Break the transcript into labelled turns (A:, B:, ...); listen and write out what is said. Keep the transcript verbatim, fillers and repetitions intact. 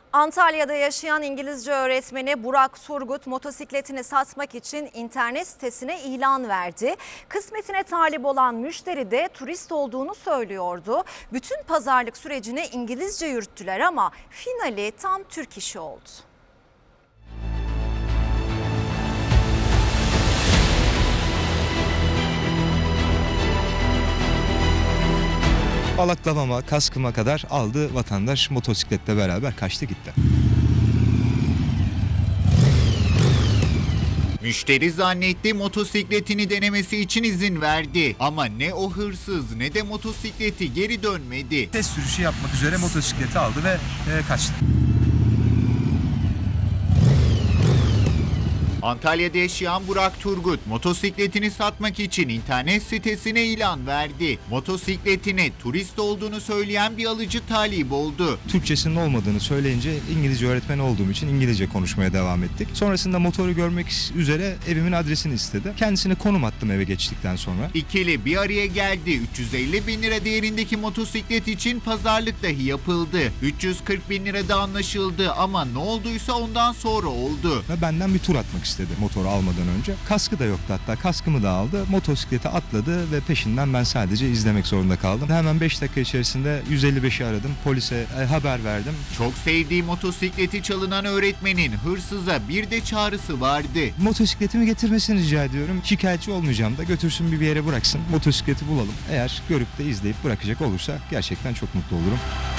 A: Antalya'da yaşayan İngilizce öğretmeni Burak Turgut motosikletini satmak için internet sitesine ilan verdi. Kısmetine talip olan müşteri de turist olduğunu söylüyordu. Bütün pazarlık sürecini İngilizce yürüttüler ama finali tam Türk işi oldu.
B: Balaklamama, kaskıma kadar aldı vatandaş, motosikletle beraber kaçtı gitti.
C: Müşteri zannetti, motosikletini denemesi için izin verdi. Ama ne o hırsız ne de motosikleti geri dönmedi.
D: Test sürüşü yapmak üzere motosikleti aldı ve e, kaçtı.
C: Antalya'da yaşayan Burak Turgut motosikletini satmak için internet sitesine ilan verdi. Motosikletine turist olduğunu söyleyen bir alıcı talip oldu.
B: Türkçesinin olmadığını söyleyince İngilizce öğretmeni olduğum için İngilizce konuşmaya devam ettik. Sonrasında motoru görmek üzere evimin adresini istedi. Kendisine konum attım eve geçtikten sonra.
C: İkili bir araya geldi. üç yüz elli bin lira değerindeki motosiklet için pazarlık dahi yapıldı. üç yüz kırk bin lirada anlaşıldı ama ne olduysa ondan sonra oldu.
B: Ve benden bir tur atmak istedi motoru almadan önce. Kaskı da yoktu, hatta kaskımı da aldı. Motosiklete atladı ve peşinden ben sadece izlemek zorunda kaldım. Hemen beş dakika içerisinde yüz elli beşi aradım. Polise e, haber verdim.
C: Çok sevdiği motosikleti çalınan öğretmenin hırsıza bir de çağrısı vardı.
B: Motosikletimi getirmesini rica ediyorum. Şikayetçi olmayacağım da götürsün bir, bir yere bıraksın. Motosikleti bulalım. Eğer görüp de izleyip bırakacak olursa gerçekten çok mutlu olurum.